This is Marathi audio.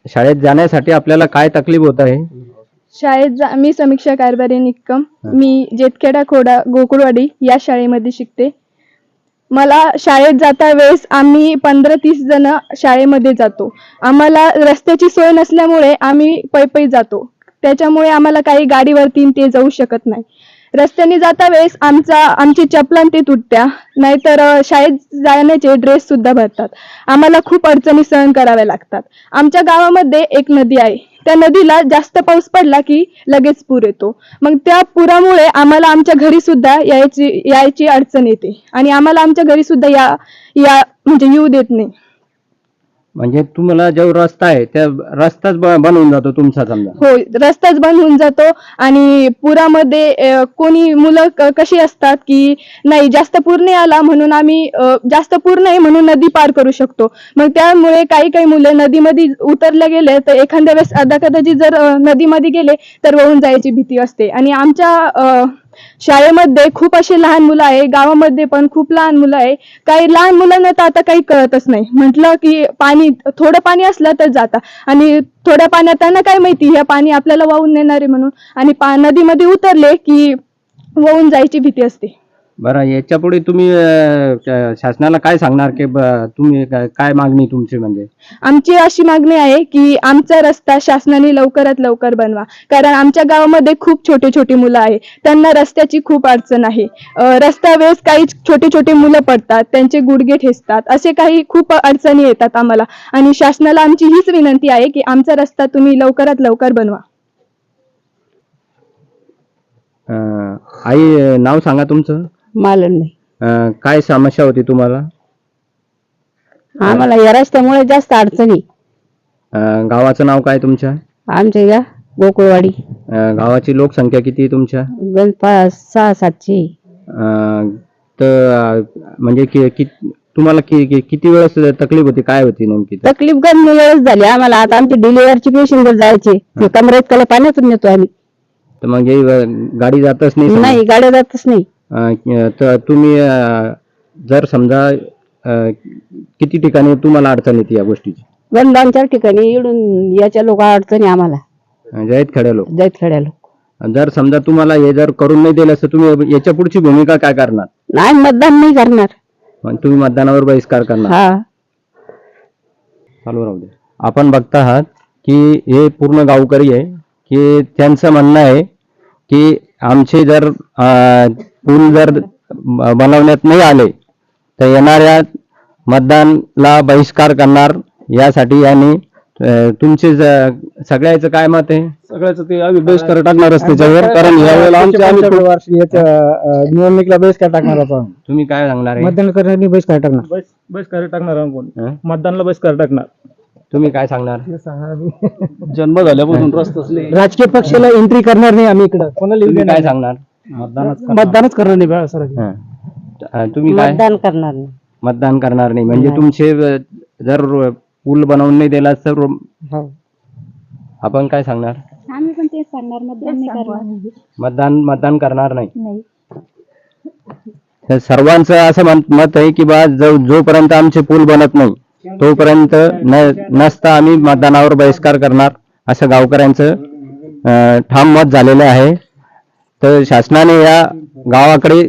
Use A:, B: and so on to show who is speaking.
A: शाळेत जाण्यासाठी आपल्याला काय तकलीफ होत आहे?
B: मी समीक्षा कारभारी निक्कम. मी जेतखेडा खोडा गोकुळवाडी या शाळेमध्ये शिकते. मला शाळेत जाता वेळेस आम्ही 15-30 जण शाळेमध्ये जातो. आम्हाला रस्त्याची सोय नसल्यामुळे आम्ही पै जातो. त्याच्यामुळे आम्हाला काही गाडीवरती ते जाऊ शकत नाही. रस्त्याने जाता वेळेस आमची चपलां ते तुटत्या, नाहीतर शाळेत जाण्याचे ड्रेस सुद्धा भरतात. आम्हाला खूप अडचणी सहन कराव्या लागतात. आमच्या गावामध्ये एक नदी आहे. त्या नदीला जास्त पाऊस पडला की लगेच पूर येतो. मग त्या पुरामुळे आम्हाला आमच्या घरी सुद्धा यायची अडचण येते आणि आम्हाला आमच्या घरी सुद्धा या म्हणजे येऊ देत नाही.
A: म्हणजे तुम्हाला जो रस्ता आहे त्या रस्ताच बंद होऊन जातो तुमचा समजा?
B: हो, रस्ताच बंद होऊन जातो. आणि पुरामध्ये कोणी मुलं कशी असतात की नाही जास्त पूर नाही आला म्हणून आम्ही जास्त पूर नाही म्हणून नदी पार करू शकतो. मग त्यामुळे काही मुलं नदीमध्ये उतरले गेले तर एखाद्या वेळेस कदाचित जर नदीमध्ये गेले तर वाहून जायची भीती असते. आणि आमच्या शाळेमध्ये खूप असे लहान मुलं आहे, गावामध्ये पण खूप लहान मुलं आहे. काही लहान मुलांना तर आता काही कळतच नाही. म्हटलं की थोडं पाणी असलं तर जाता आणि थोड्या पाण्यात त्यांना काय माहिती हे पाणी आपल्याला वाहून नेणार आहे म्हणून, आणि नदीमध्ये उतरले की वाहून जायची भीती असते.
A: बरं, याच्या पुढे तुम्ही शासनाला काय सांगणार की तुम्ही काय मागणी तुमची? म्हणजे
B: आमची अशी मागणी आहे की आमचा रस्ता शासनाने लवकरात लवकर बनवा. कारण आमच्या गावामध्ये खूप छोटी मुलं आहे, त्यांना रस्त्याची खूप अडचण आहे. रस्त्यावेळेस काही छोटे मुलं पडतात, त्यांचे गुडघे ठेचतात, असे काही खूप अडचणी येतात आम्हाला. आणि शासनाला आमची हीच विनंती आहे की आमचा रस्ता तुम्ही लवकरात लवकर बनवा.
A: आई, नाव सांगा तुमचं?
C: मालन नाही.
A: काय समस्या होती तुम्हाला?
C: आम्हाला या रस्त्यामुळे जास्त अडचणी.
A: गावाचं नाव काय तुमच्या?
C: आमच्या या गोकुळवाडी.
A: गावाची लोकसंख्या किती आहे तुमच्या?
C: 6-7ची.
A: तर म्हणजे तुम्हाला किती वेळेस तकलीफ होती, काय होती नेमकी?
C: तकलीफ गंज वेळेस झाली आम्हाला. आता आमची डिलिव्हरची पेशंट जायचे, कमरेत कला पाण्यातून नेतो आम्ही.
A: तर मग गाडी जातच नाही?
C: नाही, गाड्या जातच नाही.
A: तर तुम्ही जर समजा किती ठिकाणी तुम्हाला अडचण येते या गोष्टीची?
C: गंज 2-4 ठिकाणी इडून याच्या लोक अडचणी आम्हाला.
A: जैतखेड्या लोक?
C: जैतखेड्या लोक.
A: जर समजा तुम्हाला हे जर करून नाही दिलं तर तुम्ही याच्या पुढची भूमिका काय करणार?
C: नाही, मतदान नाही करणार.
A: मग तुम्ही मतदानावर बहिष्कार करणार?
C: हा.
A: चालू राहू दे. आपण बघता आहात की हे पूर्ण गावकरी आहे की त्यांचं म्हणणं आहे की आमचे जर पूल जर बनवण्यात नाही आले तर येणाऱ्या मतदानला बहिष्कार करणार. यासाठी यांनी तुमचे सगळ्याचं काय मत आहे?
D: सगळ्याच ते आम्ही बहिष्कार टाकणारच त्याच्यावर, कारण यावेळेला आमच्या निवडणुकीला बहिष्कार टाकणार आपण.
A: तुम्ही काय सांगणार आहे?
D: मतदान करण्यासाठी बहिष्कार टाकणार. बहिष्कार टाकणार आपण, मतदानला बहिष्कार टाकणार.
A: तुम्ही काय सांगणार?
D: जन्म झाल्यापासून राजकीय पक्षाला एंट्री करणार नाही आम्ही इकडं. कोणाला
A: काय सांगणार?
D: मतदानच करणार नाही सर.
A: तुम्ही काय?
C: मतदान करणार नाही.
A: मतदान करणार नाही म्हणजे तुमचे जर पूल बनवून नाही दिला तर आपण काय सांगणार?
B: आम्ही पण तेच सांगणार, मतदान नाही करणार.
A: मतदान करणार नाही. तर सर्वांचं असं मत आहे की बा जोपर्यंत आमचे पूल बनत नाही तोपर्यंत नसता आम्ही मतदानावर बहिष्कार करणार, असं गावकऱ्यांचं ठाम मत झालेलं आहे. तर शासनाने या गावाकडे